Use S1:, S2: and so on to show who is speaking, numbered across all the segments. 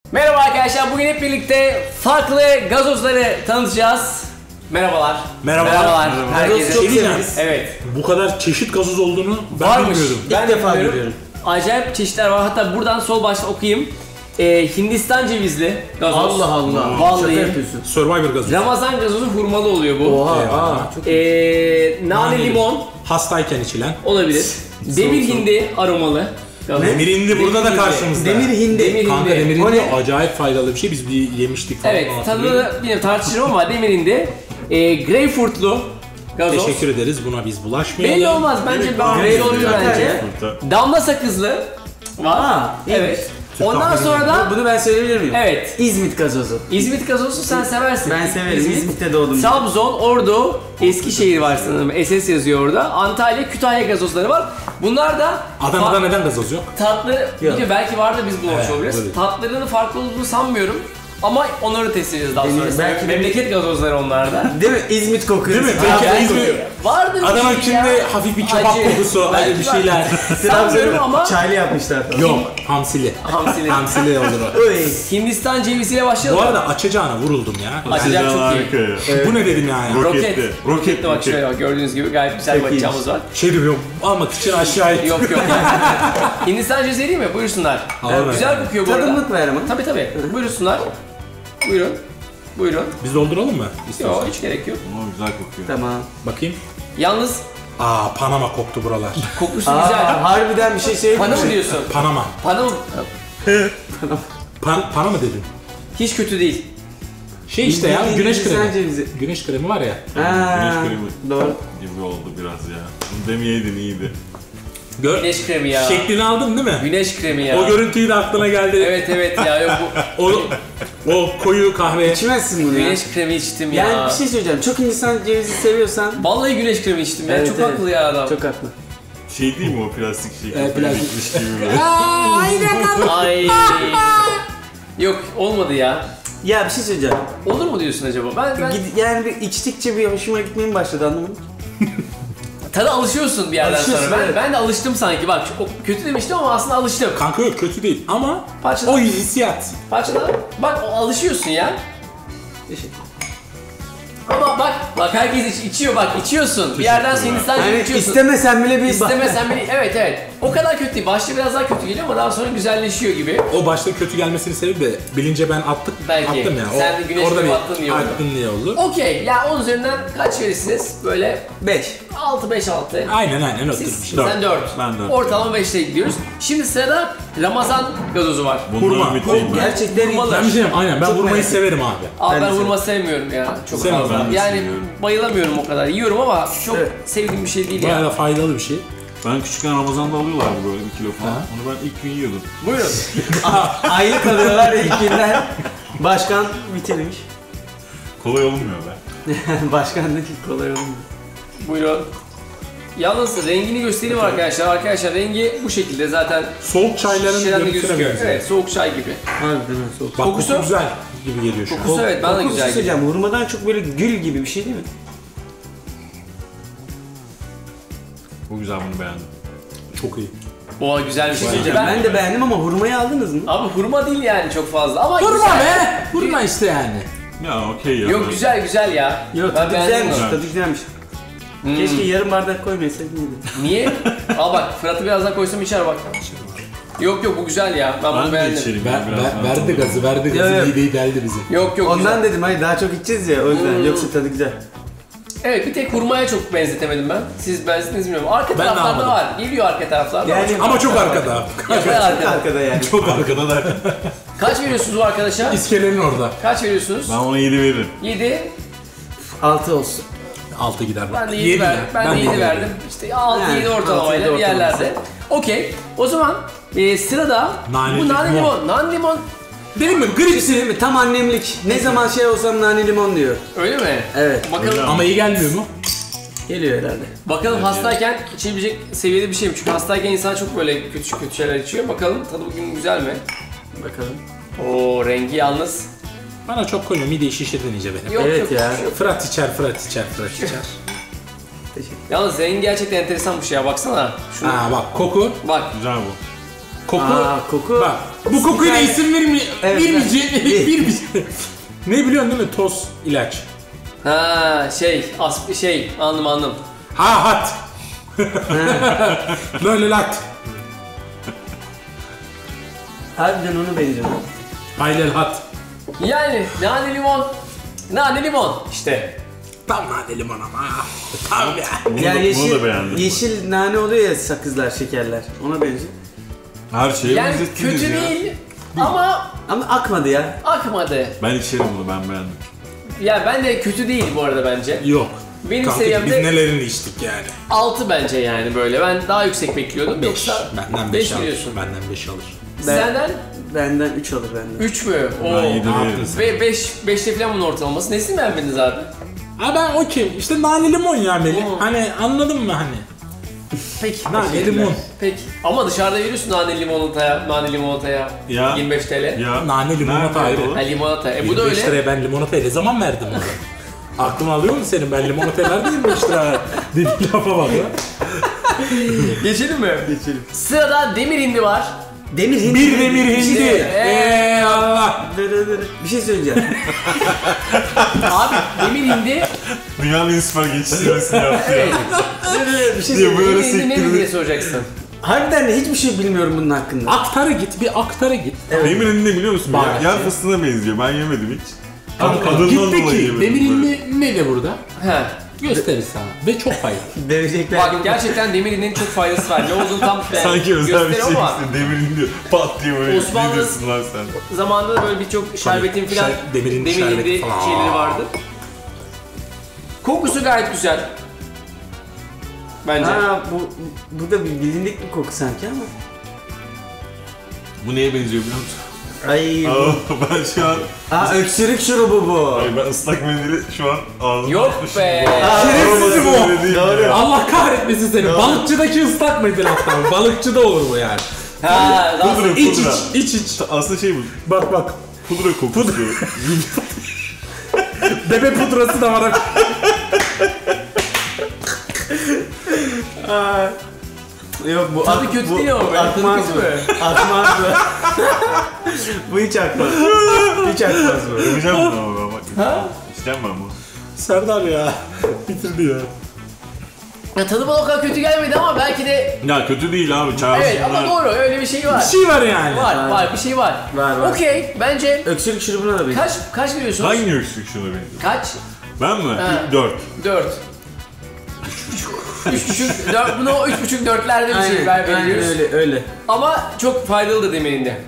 S1: Merhaba arkadaşlar, bugün hep birlikte farklı gazozları tanıtacağız. Merhabalar.
S2: Merhabalar.
S1: Herkese.
S2: Çok severiz.
S1: Evet.
S2: Bu kadar çeşit gazoz olduğunu ben
S1: Varmış.
S2: bilmiyordum.
S1: Ben
S3: İlk defa
S1: bilmiyorum.
S3: görüyorum.
S1: Acayip çeşitler var. Hatta buradan sol başta okuyayım. Hindistan cevizli gazoz.
S3: Allah Allah.
S1: Vallahi.
S3: Şaka yapıyorsun.
S2: Survivor gazozu.
S1: Ramazan gazozu hurmalı oluyor bu.
S3: Oha.
S2: Eyvallah.
S3: Çok
S1: Nane limon
S2: Hastayken içilen.
S1: olabilir. Demir hindi aromalı. gazoz.
S2: Demir hindi burada da karşımızda.
S3: Demir hindi.
S1: Demir
S2: Kanka
S1: hindi.
S2: demir
S3: O
S2: hindi
S3: ne?
S2: acayip faydalı bir şey. Biz bir yemiştik falan.
S1: Evet,
S2: hatırlıyorum.
S1: tadını yine tartışırım ama demir hindi. Greyfurtlu gazoz.
S2: Teşekkür ederiz. Buna biz bulaşmayalım.
S1: Belli olmaz bence, ben
S3: Greyfurt
S1: olur
S3: zaten
S1: bence.
S3: ya.
S1: Damla sakızlı var.
S3: Aa,
S1: Evet.
S2: Türk
S1: Ondan
S2: kahvesi.
S1: sonra da
S3: Bunu ben söyleyebilir miyim?
S1: evet.
S3: İzmit gazozu.
S1: İzmit gazozu sen seversin.
S3: Ben severim. İzmit'te doğdum.
S1: Trabzon, Ordu, Eskişehir var sanırım. SS yazıyor orada. Antalya, Kütahya gazozları var. Bunlar da
S2: Adana'da neden gazoz yok?
S1: tatlı, bilmiyorum, belki vardı biz bulmuş
S2: Evet,
S1: olabiliriz.
S2: olabilir.
S1: Tatlarının farklı olduğunu sanmıyorum. Ama onları test edeceğiz daha sonra.
S3: belki de-
S1: Memleket gazozları onlarda.
S3: Değil mi? İzmit kokuyor.
S2: Değil mi?
S1: Ya,
S2: Peki
S1: ben-
S2: İzmir,
S1: Vardır bir
S2: Adana
S1: şey
S2: içinde
S1: ya.
S2: hafif bir kebap
S1: Acı.
S2: kokusu,
S1: Belki
S2: öyle bir
S1: var.
S2: şeyler.
S1: Sanmıyorum ama
S3: Çaylı yapmışlar falan.
S2: Yok, hamsili.
S1: hamsili.
S2: Hamsili olur o.
S3: Oy.
S1: Hindistan ceviziyle başlayalım.
S2: Bu arada açacağına vuruldum ya.
S1: Açacak çok iyi.
S4: Harika ya.
S2: Bu ne dedim yani?
S1: Roket.
S4: Roketli.
S1: Roketli bak şöyle bak, gördüğünüz gibi gayet güzel bir
S3: Çok
S1: bakacağımız var.
S2: Şey diyorum, almak için aşağı it.
S1: Yok yok. Hindistan cevizi değil mi? Buyursunlar.
S2: Alalım.
S1: Güzel kokuyor bu arada.
S3: Tadımlık ver ama.
S1: Tabii tabii. Buyursunlar. Buyurun. Buyurun.
S2: Biz dolduralım mı?
S1: Yok, hiç gerek yok.
S4: Ama güzel kokuyor.
S3: Tamam.
S2: Bakayım.
S1: Yalnız
S2: Panama koktu buralar.
S1: kokusu güzel.
S3: Harbiden bir şey söyleyeyim
S1: Pana
S3: mi?
S1: mı diyorsun?
S2: Panama.
S1: Pana mı?
S2: Pana mı dedin?
S1: Hiç kötü değil.
S2: Şey işte ya,
S3: Bildiğin
S2: güneş
S3: Hindistan
S2: kremi.
S3: cevizi.
S2: Güneş kremi var ya.
S3: Ha,
S4: Güneş kremi.
S3: doğru.
S4: Gibi oldu biraz ya. Bunu demeyeydin iyiydi.
S2: Gör.
S1: Güneş kremi ya.
S2: Şeklini aldın değil mi?
S1: Güneş kremi ya.
S2: O görüntüyü de aklına geldi.
S1: Evet evet ya, yok bu.
S2: O koyu kahve.
S3: İçmezsin bunu ya.
S1: Güneş kremi içtim ya.
S3: Yani bir şey söyleyeceğim. Çok Hindistan cevizi seviyorsan.
S1: Vallahi güneş kremi içtim ya.
S3: Evet,
S1: Çok
S3: evet.
S1: haklı ya adam.
S3: Çok haklı.
S4: Şey değil mi o plastik şey?
S2: Evet, plastik.
S4: Bitmiş gibi böyle.
S1: Ay. Yok, olmadı ya.
S3: Ya bir şey söyleyeceğim.
S1: Olur mu diyorsun acaba? Ben
S3: Yani bir içtikçe bir hoşuma gitmeye mi başladı, anladın mı?
S1: tada alışıyorsun bir yerden
S3: Alışıyorsun,
S1: sonra.
S3: evet.
S1: Ben de alıştım sanki. Bak o kötü demiştim ama aslında alıştım.
S2: Kanka yok, kötü değil ama
S1: Parçalar.
S2: o hissiyat.
S1: Parçalar. Bak o alışıyorsun ya.
S3: Teşekkür.
S1: Ama bak herkes içiyor, bak içiyorsun. Bir yerden sonra Hindistan cevizi
S3: Yani
S1: içiyorsun.
S3: istemesen bile bir
S1: İstemesen bile, evet. O kadar kötü değil. Başta biraz daha kötü geliyor ama daha sonra güzelleşiyor gibi.
S2: O başta kötü gelmesinin sebebi de bilince ben attım
S1: Belki.
S2: ya.
S1: Sen de güneş
S2: orada
S1: kremi
S2: bir
S1: attın diye oldu.
S2: attın diye oldu.
S1: Okey. Ya 10 üzerinden kaç verirsiniz? Böyle
S3: 5.
S1: 6-5-6.
S2: Aynen otur bir
S1: Siz,
S2: şey.
S1: sen 4.
S4: Ben dört.
S1: Ortalama 5'te gidiyoruz. Şimdi sırada Ramazan gazozu var.
S4: Bundan
S2: Hurma.
S4: ümitliyim ben.
S3: Gerçekten
S1: Hurmalı.
S2: Ben bir şey diyeyim, aynen ben
S3: Çok
S2: vurmayı
S3: merak
S2: severim abi.
S1: Abi
S3: Ben
S1: ben
S3: de
S1: hurma sevmiyorum ya. Çok
S2: Sevmem,
S1: fazla.
S4: ben de
S1: Yani
S4: seviyorum.
S1: bayılamıyorum o kadar. Yiyorum ama çok
S3: Evet.
S1: sevdiğim bir şey değil
S2: Bayağı
S1: ya.
S2: da faydalı bir şey.
S4: Ben küçükken Ramazan'da alıyorlardı böyle 1 kilo falan. Onu ben ilk gün yiyordum.
S1: Buyurun.
S3: Aylık alıyorlar ilk günden. Başkan bitirmiş.
S4: Kolay olmuyor be.
S3: Başkan da kolay olmuyor.
S1: Buyurun. Yalnız rengini göstereyim arkadaşlar. Arkadaşlar rengi bu şekilde zaten.
S2: Soğuk çayların
S1: Şişeden de
S2: görüntüsüne
S1: gözüküyor.
S2: benziyor.
S1: Evet, soğuk çay gibi.
S3: Harbiden öyle soğuk.
S2: Bak
S1: Kokusu-
S2: kokusu güzel gibi geliyor şu an.
S1: Kokusu evet, bana da
S3: Kokusu
S1: güzel geliyor.
S3: söyleyeceğim. Hurmadan çok böyle gül gibi bir şey değil mi?
S4: Bu güzel, bunu beğendim.
S2: Çok iyi.
S1: O güzel bir şey.
S3: Ben de beğendim ama hurmayı aldınız mı?
S1: Abi hurma değil yani çok fazla ama
S2: Hurma
S1: güzel.
S2: be! Hurma işte yani.
S4: Ya okey ya.
S1: Yok güzel ya.
S3: Yok,
S1: Ben
S3: tadı
S1: beğendim
S3: güzelmiş.
S1: onu.
S3: Tadı güzelmiş. Keşke yarım bardak koymasaydın iyiydi.
S1: Niye? Al bak, Fırat'ı birazdan koysam içer bak. Yok bu güzel ya. Ben bunu
S4: Ben de
S1: beğendim.
S4: içerim ya biraz.
S2: Verdi gazı, verdi
S3: Ya,
S2: gazı.
S3: ya.
S2: İyi deldi bizi.
S1: Yok
S3: Ondan
S1: güzel.
S3: dedim hayır daha çok içeceğiz ya o yüzden. Yoksa tadı güzel.
S1: Evet, bir tek hurmaya çok benzetemedim ben. Siz benzettiniz mi bilmiyorum. Arka
S2: de
S1: taraflarda
S2: almadım.
S1: var. Geliyor arka taraflarda.
S3: Yani-
S2: Ama çok arkada.
S1: Yakın
S3: Çok
S1: arkada.
S3: arkada yani.
S2: Çok arkada da.
S1: Kaç veriyorsunuz bu arkadaşa?
S2: İskelenin orada.
S1: Kaç veriyorsunuz?
S4: Ben ona 7 veririm.
S1: 7.
S3: 6 olsun.
S2: 6 gider.
S1: Ben de 7 verdim. Ben de 7 verdim. İşte 6-7
S3: Yani,
S1: ortalamayla
S3: 6-7
S1: bir yerlerde. Okey. O zaman sırada
S2: Nane
S1: bu nane
S2: limon.
S1: limon. Nane limon
S2: Benim mi?
S3: Bir şey
S2: Gripsi.
S3: söyleyeyim mi? Tam annemlik. Ne zaman şey olsam nane limon diyor.
S1: öyle mi?
S3: Evet.
S1: Bakalım.
S4: Öyle.
S2: Ama iyi gelmiyor mu?
S3: Geliyor herhalde.
S1: Bakalım hastayken içebilecek seviyede bir şey mi? Çünkü hastayken insan çok böyle kötü şeyler içiyor. Bakalım tadı bugün güzel mi?
S3: Bakalım.
S1: Oo, rengi yalnız.
S2: Bana çok koyma, mideyi şişirdin iyice benim.
S1: Yok
S3: Evet
S1: yok.
S3: ya.
S1: Yok.
S2: Fırat içer.
S3: Teşekkür.
S1: Yalnız rengi gerçekten enteresan bir şey ya, baksana. Şuna
S2: Ha bak, koku.
S1: bak.
S4: Güzel bu.
S2: Koku.
S3: Koku.
S2: Bak bu kokuyla
S3: tane-
S2: isim
S3: Evet,
S2: vermeyeceğim. Ne biliyorsun değil mi? Toz ilaç.
S1: Ha anladım.
S2: Ha hat. Böyle lat.
S3: Harbiden onu benziyor.
S2: Aylel hat.
S1: Yani nane limon işte.
S2: Tam nane limon ama. Tam ya.
S4: Bunu,
S3: Ya
S4: bunu da beğendim.
S3: yeşil nane oluyor ya sakızlar, şekerler. Ona benziyor.
S4: Her şeyi
S1: Yani
S4: benzettiniz
S1: kötü
S4: ya.
S1: değil ama
S3: Ama akmadı ya.
S1: akmadı.
S4: Ben içerim bunu, ben beğendim.
S1: Ya ben de kötü değil bu arada bence.
S2: Yok.
S1: Benim
S2: Kanka
S1: seviyemde-
S2: biz nelerini içtik yani.
S1: 6 bence yani böyle. Ben daha yüksek bekliyordum.
S2: 5.
S1: Yoksa
S2: Benden
S1: 5
S2: 5 alır.
S1: biliyorsun.
S2: Benden 5 alır.
S1: Senden
S3: Benden 3 alır benden.
S1: 3 mü?
S4: Ben
S1: Oo.
S4: 7
S2: Ne yaptın
S4: veririm.
S2: sen?
S1: Ve 5'te falan bunun ortalaması. Nesini beğenmediniz abi?
S2: Ha ben okey. İşte nane limon ya Melih.
S1: Hmm.
S2: Hani anladın mı hani?
S1: Peki.
S2: Nane limon.
S1: Peki. Ama dışarıda veriyorsun nane limonataya
S4: Ya.
S1: 25 TL.
S4: Ya.
S2: Nane limonata
S4: Nerede
S2: ayrı.
S4: o?
S1: Ha limonata. Bu da
S2: 25
S1: öyle.
S2: liraya ben limonataya ne zaman verdim onu? Aklın alıyor mu senin? Ben limonataya verdim 25 lira. Dediğin lafa bak ya.
S1: Geçelim mi? Geçelim. Sırada demir hindi var.
S3: Demir hindi.
S2: Bir demir hindi.
S1: İşte,
S2: Allah.
S3: Bir şey söyleyeceğim.
S1: Abi demir hindi.
S4: Dünyanın en süper geçişlemesini yaptı ya.
S3: Bir şey
S4: Diye böyle
S1: Demir hindi nedir
S4: sektirdi.
S1: diye soracaksın.
S3: Harbiden de hiçbir şey bilmiyorum bunun hakkında.
S2: Aktara git, bir aktara git.
S4: Demir hindi ne biliyor musun?
S2: Bak.
S4: Yer fıstığına benziyor. Ben yemedim hiç.
S2: Kanka
S4: Adından
S2: git
S4: dolayı
S2: peki.
S4: yemedim
S2: Demir
S4: böyle.
S2: indi ne de burada?
S1: He.
S2: Gösterir sana. Ve çok faydalı.
S3: Verecekler.
S1: Bak gerçekten demir hindinin çok faydası var. Ne olduğunu tam
S4: Sanki özel bir şey
S1: gösteriyor ama
S4: işte. Demir hindi pat diye böyle.
S1: Osmanlı-
S4: Ne diyorsun lan sen?
S1: zamanında da böyle birçok şerbetin filan
S2: demir hindi
S1: demir
S2: şerbeti
S1: hindi
S2: falan.
S1: şeyleri vardı. Kokusu gayet güzel. Bence.
S3: Ha bu da bir bilindik bir koku sanki ama.
S4: Bu neye benziyor biliyor musun?
S3: Ay.
S4: Aa, ben şu an...
S3: Öksürük şurubu bu.
S4: Ay ben ıslak mendili şu an ağzıma
S1: Yok
S4: atmışım.
S1: be.
S2: Şerefsiz bu.
S4: Öyle değil
S3: Doğru.
S4: ya.
S2: Allah kahretmesin seni. Balıkçıdaki ıslak mendil hatta. Balıkçıda olur bu yani.
S1: Ha, daha
S4: Pudra,
S2: İç
S4: pudra.
S2: iç, iç iç.
S4: Aslında şey bu.
S2: Bak bak.
S4: Pudra kokusu.
S2: Bebe pudrası da var.
S3: Yok bu
S1: tadı kötü değil ama be. Tadı
S3: Akmaz
S1: kötü
S3: mı?
S1: mü?
S3: Akmaz mı? Bu hiç akmaz. Hiç akmaz bu.
S4: Yapacağım bunu ama ben bak. İçeceğim ben bunu.
S2: Serdar ya. Bitirdi ya.
S1: Ya tadı bana o kadar kötü gelmedi ama belki de
S4: Ya kötü değil abi. Çağırsınlar.
S1: evet ama doğru öyle bir şey var.
S2: Bir şey var yani.
S1: Var bir şey var.
S3: Var.
S1: Okey bence
S3: Öksürük şurubuna da benziyor.
S1: kaç veriyorsunuz?
S4: Hangi öksürük şuna benziyor?
S1: Kaç?
S4: Ben mi?
S1: Ha.
S4: 4.
S1: 4. 3,5 4 bunu 3,5 4'lerde bir şey
S3: Aynen
S1: veriyoruz.
S3: öyle.
S1: Ama çok faydalı da demirinde.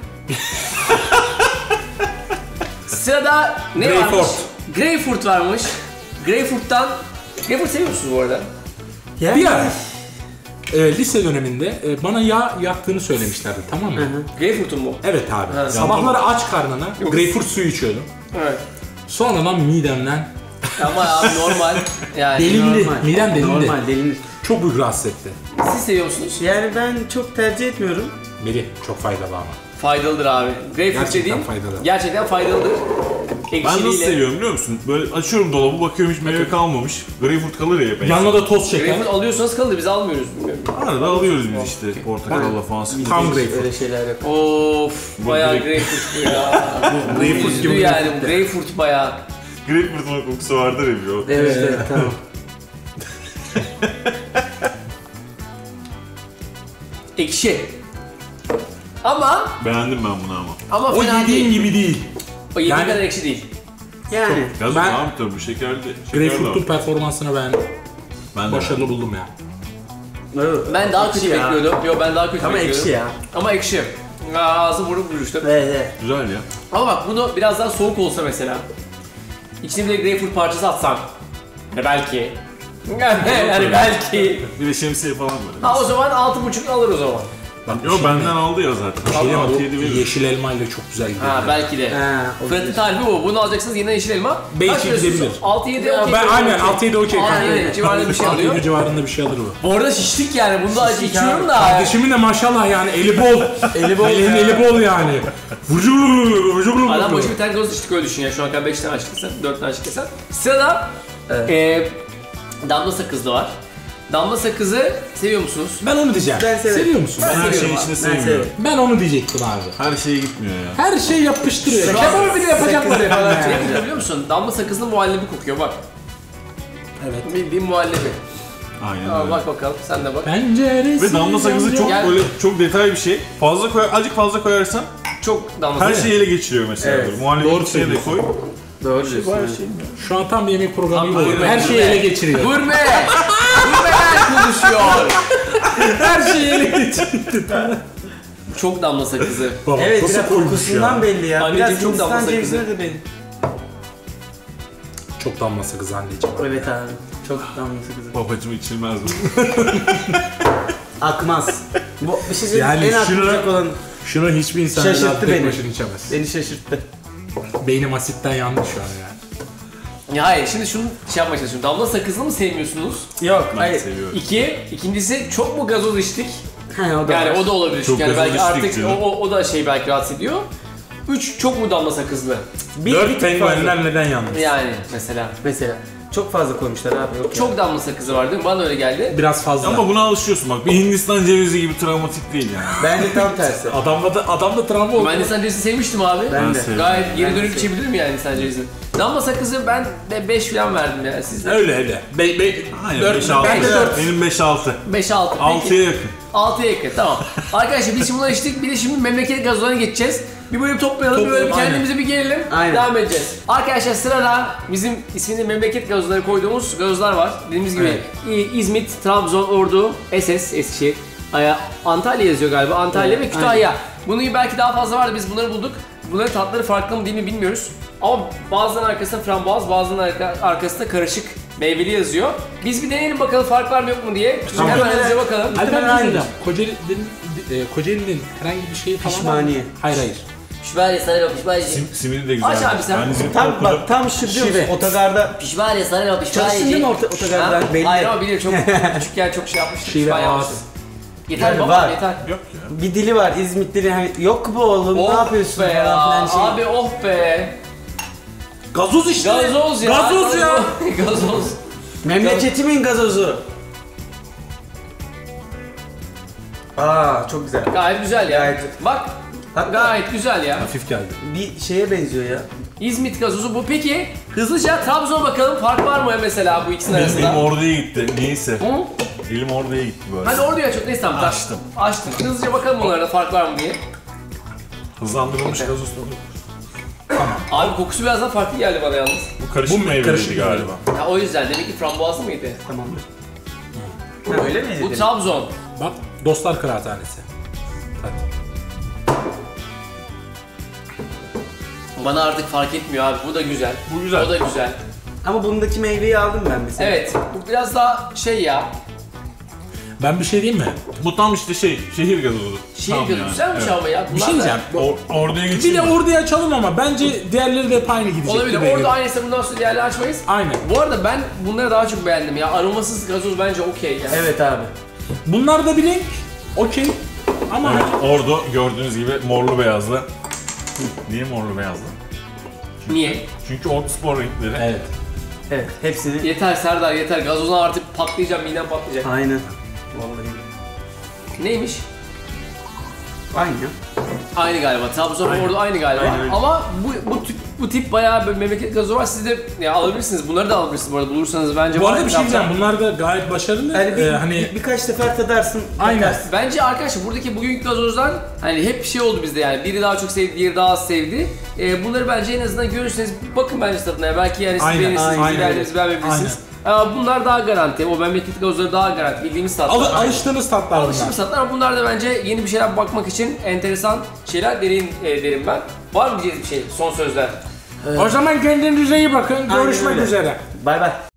S1: Sırada ne
S2: Greyfurt.
S1: varmış? Greyfurt varmış. Greyfurt seviyor musunuz bu arada?
S3: Yani,
S2: Bir ara lise döneminde bana yağ yaktığını söylemişlerdi, tamam mı?
S1: Greyfurt'un mu?
S2: Evet abi.
S1: Ha.
S2: Sabahları aç karnına
S1: Yok.
S2: greyfurt suyu içiyordum.
S1: Evet.
S2: Sonradan midemden
S1: Ama abi normal. Yani
S2: delindi.
S3: normal.
S2: Midem delindi.
S3: Normal delinir.
S2: Çok büyük rahatsız etti.
S1: siz seviyor musunuz?
S3: Yani ben çok tercih etmiyorum.
S2: Melih çok faydalı ama.
S1: Faydalıdır abi. Greyfurt
S2: Gerçekten
S1: dediğin
S2: faydalı.
S1: gerçekten faydalıdır.
S4: Ben nasıl
S1: Ekşiliyle.
S4: seviyorum biliyor musun? Böyle açıyorum dolabı bakıyorum hiç meyve kalmamış. Greyfurt kalır ya hep.
S2: Yanına da toz şeker.
S1: Greyfurt alıyorsanız kalır biz almıyoruz bilmiyorum.
S4: Arada alıyoruz biz işte portakalla falan sıkıyoruz.
S2: Tam greyfurt.
S3: Öyle şeyler yok.
S1: Of bayağı
S4: direkt-
S1: Greyfurt bu ya.
S2: Greyfurt
S1: Üzdü
S2: gibi
S1: yani
S2: greyfurt
S1: bu Greyfurt bayağı.
S4: Greyfurt'un kokusu vardır ya bir o.
S3: Evet tamam.
S1: Ekşi. Ama
S4: Beğendim ben bunu ama.
S2: O
S1: fena
S2: yediğin
S1: değil.
S2: gibi değil.
S1: O yediğin
S2: Yani-
S1: kadar ekşi değil.
S3: Yani.
S4: Gazoz
S2: Ben-
S4: abi tabii şekerli. Şeker
S2: Greyfurt'un
S4: var.
S2: performansını
S4: Ben de
S2: başarılı buldum ya.
S1: Ben daha
S3: Ekşi
S1: kötü
S3: ya.
S1: bekliyordum. Yo ben daha kötü
S3: Ama
S1: bekliyordum.
S3: ekşi ya.
S1: Ama ekşi. Ağzı vurup vuruştu.
S3: Evet.
S4: Güzel ya.
S1: Ama bak bunu biraz daha soğuk olsa mesela. İçine bir de greyfurt parçası atsan. Belki. Yani belki.
S4: Bir de şemsiye falan böyle.
S1: Ha o zaman 6,5 alır o zaman.
S4: Yo benden aldı ya zaten.
S2: Şey ama bu
S4: 6-7 verir.
S2: yeşil elma ile çok güzel gidiyor.
S1: Ha belki de.
S3: Ha,
S1: Fırat'ın tarifi bu. Bunu alacaksınız yine yeşil elma.
S2: Belki
S1: Kaç veriyorsunuz?
S2: gidebilir.
S1: 6-7 okey.
S2: Ben aynen 6-7 okey kanka.
S1: 6-7 civarında bir şey alıyor.
S2: 6-7 civarında bir şey alır bu.
S1: Bu arada şiştik yani. Bunu da acı içiyorum da.
S2: Kardeşimin de maşallah yani eli bol.
S3: Eli bol
S2: Elin
S3: ya.
S2: eli bol yani. Vıcır
S1: Adam başı bir tane gazoz içtik öyle düşün ya. Şu an kadar 5 tane açtık sen, 4 tane açtık sen. Sırada damla sakızlı var. Damla sakızı seviyor musunuz?
S2: Ben onu diyeceğim.
S3: Ben severim.
S2: Seviyor musun?
S4: Ben her
S1: seviyorum
S4: şeyin
S1: abi.
S4: içinde
S3: Ben
S4: sevmiyorum.
S3: severim.
S2: Ben onu diyecektim abi.
S4: Her şeye gitmiyor ya.
S2: Her şey yapıştırıyor.
S3: Sakız-
S2: Kebabı bile yapacaklar
S3: sakız
S2: falan.
S3: falan
S1: Ne
S2: Yani.
S1: kokuyor biliyor musun? Damla sakızının muhallebi kokuyor bak.
S2: Evet.
S1: Bildiğin muhallebi.
S4: Aynen
S1: Aa,
S4: öyle.
S1: bak bakalım sen de bak.
S2: Penceresi.
S4: Ve damla sakızı çok
S1: Gel.
S4: böyle çok detaylı bir şey. Fazla koy, azıcık fazla koyarsan
S1: Çok damla
S4: her
S1: sakızı.
S4: şeyi ele geçiriyor mesela.
S3: Evet.
S4: Böyle. Muhallebi
S2: Doğru
S4: içine de koy.
S3: Doğru diyorsun. evet.
S2: Şu an tam bir yemek programı gibi
S1: Tam
S2: oluyor.
S1: gurme,
S2: Her şeyi
S1: gurme.
S2: ele geçiriyor.
S1: Gurme! Gurmeler konuşuyor.
S2: Her şeyi ele geçiriyor.
S1: Çok damla sakızı.
S2: Baba,
S3: Evet
S2: nasıl
S3: biraz
S2: koymuş
S3: kokusundan
S2: ya?
S3: belli ya.
S1: Anneciğim
S3: Biraz
S1: çok damla
S3: Hindistan
S1: sakızı.
S3: cevizine de belli.
S2: Çok damla sakız anneciğim.
S3: Evet abi. Çok damla sakızı.
S4: Babacım içilmez bu.
S3: Akmaz. Bu bir şey söyleyeyim.
S2: Yani
S3: En
S2: şunu-
S3: akmayacak olan
S2: Şunu hiçbir insan
S3: Şaşırttı
S2: tek
S3: beni.
S2: başına içemez.
S3: beni şaşırttı.
S2: Beynim asitten yandı şu an yani.
S1: Ya hayır şimdi şunu şey yapmaya çalışıyorum. Damla sakızını mı sevmiyorsunuz?
S3: Yok
S4: Ben
S3: hayır.
S4: seviyorum.
S1: İkincisi çok mu gazoz içtik?
S3: He, o da
S1: Yani
S3: var.
S1: o da olabilir.
S4: Çok
S1: Yani
S4: gazoz
S1: belki
S4: içtik
S1: artık
S4: canım.
S1: o da şey belki rahatsız ediyor. 3 çok mu damla sakızlı?
S3: bir
S2: 4
S3: tık fazla.
S2: penguenler neden yandı?
S1: Yani mesela.
S3: Mesela. Çok fazla koymuşlar abi. Yok
S1: Çok damla sakızı var değil mi? Bana öyle geldi.
S2: Biraz fazla.
S4: Ama buna alışıyorsun bak. Bir Hindistan cevizi gibi travmatik değil yani.
S3: Bence tam tersi.
S2: Adamda travma oldu.
S1: Ben Hindistan cevizi sevmiştim abi.
S3: Ben de.
S4: seviyorum.
S1: Gayet geri
S3: Ben
S1: dönüp
S3: de
S1: içebilirim yani Hindistan cevizi. Damla sakızı ben de 5 falan verdim yani sizde.
S2: Öyle öyle.
S4: Aynen
S2: Dört-
S4: 5-6.
S2: ben de dört.
S4: Benim 5-6.
S1: 5-6.
S4: 6'ya yakın.
S1: 6'ya yakın tamam. Arkadaşlar biz şimdi bunları içtik. Bir de şimdi memleket gazozlarına geçeceğiz. Bir bölüm toplayalım, bir bölüm
S2: Aynen.
S1: kendimize bir gelelim.
S3: Aynen.
S1: Devam edeceğiz. Arkadaşlar sırada bizim ismini memleket gazozları koyduğumuz gazozlar var. Dediğimiz gibi İzmit, Trabzon, Ordu, Eskişehir, Antalya yazıyor galiba. Antalya ve Kütahya. Bunun belki daha fazla vardı. Biz bunları bulduk. Bunların tatları farklı mı değil mi bilmiyoruz. Ama bazılarının arkasında frambuaz, bazılarının arkasında karışık meyveli yazıyor. Biz bir deneyelim bakalım fark var mı yok mu diye.
S2: Tamam.
S1: Hemen hızlıca bakalım.
S2: Alper
S3: Aynı.
S2: Hocam, Kocaeli'nin herhangi bir şeyi falan var mı?
S3: Pişmaniye.
S2: Hayır.
S5: Pişmaniye sarı pişmaniye.
S4: Simini de güzel.
S1: Aç abi sen.
S4: Ben İzmit'te
S3: Tam
S4: okudum.
S3: bak tam şu diyor musun?
S2: Şive.
S3: Otogarda
S5: Pişmaniye sarı
S3: çalıştın değil mi otogarda? Belli.
S1: Hayır ama bilir çok küçükken çok şey yapmıştım.
S2: Şive
S1: pişman
S2: ağız.
S1: yapmıştım. Yeter
S3: Yani
S1: baba
S3: var.
S1: yeter.
S4: Yok ya.
S3: Bir dili var İzmit dili. Hani, yok bu oğlum ne yapıyorsun
S1: be ya.
S3: falan filan şey.
S1: Abi oh be.
S2: Gazoz işte.
S1: Gazoz ya.
S2: Gazoz ya.
S1: Gazoz.
S3: Memleketimin gazozu. Aa çok güzel.
S1: Gayet güzel ya.
S3: Gayet.
S1: Bak
S3: Hatta
S1: gayet güzel ya.
S2: Hafif geldi.
S3: bir şeye benziyor ya.
S1: İzmit gazozu bu. Peki hızlıca Trabzon'a bakalım fark var mı mesela bu ikisinin
S4: Elim
S1: arasında?
S4: oraya gitti. Neyse.
S1: Hı?
S4: Elim oraya gitti böyle.
S1: Hadi orada aç. Neyse tamam.
S4: Açtım.
S1: Açtım. Hızlıca bakalım onlara fark var mı diye.
S4: Hızlandırılmış gazoz tadı.
S1: Abi kokusu biraz daha farklı geldi bana yalnız.
S4: Bu karışık meyveliydi
S2: karışık
S4: galiba.
S1: Ya o yüzden demek ki frambuazlı mıydı?
S3: Tamamdır. Ha, öyle mi?
S1: Bu Trabzon.
S2: Bak Dostlar Kıraathanesi. Hadi.
S1: Bana artık fark etmiyor abi. Bu da güzel.
S4: Bu güzel.
S1: O da güzel.
S3: Ama bundaki meyveyi aldım ben mesela.
S1: Evet. Bu biraz daha şey ya.
S2: Ben bir şey diyeyim mi?
S4: Bu tam işte şehir gazozu.
S1: Şehir
S4: Tam
S1: gazozu
S4: yani.
S1: güzelmiş
S4: Evet.
S1: ama ya.
S2: Bir
S1: Bunlar
S2: şey
S1: da-
S2: diyeceğim.
S4: Orduya
S2: Bir
S4: geçeyim
S2: de
S4: mi?
S2: orduya açalım ama bence diğerleri de hep aynı gidecek.
S1: Olabilir.
S2: gibi
S1: Orada
S2: geliyor.
S1: aynıysa bundan sonra diğerleri açmayız.
S2: Aynen.
S1: Bu arada ben bunları daha çok beğendim ya. Aromasız gazoz bence okey ya.
S3: Evet abi.
S2: Bunlar da bir renk. Okey. Ama
S4: Evet, ordu gördüğünüz gibi morlu beyazlı. Niye morlu beyazlı?
S1: Niye?
S4: Çünkü ordu spor renkleri.
S2: evet.
S3: Evet hepsini.
S1: Yeter Serdar yeter. Gazozdan artık patlayacağım. Midem patlayacak.
S3: Aynen. Vallahi.
S1: Neymiş?
S3: Aynı.
S1: Aynı galiba. Trabzon orada aynı galiba.
S3: Aynen öyle.
S1: Ama bu tip bayağı bir memleket gazozu var. Siz de ya alabilirsiniz. Bunları da alabilirsiniz bu arada. Bulursanız bence
S2: Bu
S1: var
S2: arada bir şey
S1: etrafta.
S2: diyeceğim. Bunlar da gayet başarılı.
S3: Yani
S2: Hani
S3: birkaç sefer tadarsın.
S2: Aynen.
S3: bakarsın.
S1: Bence arkadaşlar buradaki bugünkü gazozlar hani hep bir şey oldu bizde yani. Biri daha çok sevdi, diğeri daha az sevdi. Bunları bence en azından görürseniz bakın bence tadına. Ya. Belki yani siz
S2: Aynen,
S1: beğenirsiniz,
S2: aynen.
S1: beğenmenizi beğenmeyebilirsiniz. Bunlar daha garanti. O memleket gazozları daha garanti. Bildiğimiz tatlar.
S2: alıştığınız tatlar bunlar.
S1: Alıştığımız tatlar ama bunlar da bence yeni bir şeyler bakmak için enteresan şeyler derim ben. Var mı diyeceğiz bir şey? Son sözler.
S2: O zaman kendinize iyi bakın. Görüşmek
S3: öyle.
S2: üzere.
S3: Bay bay.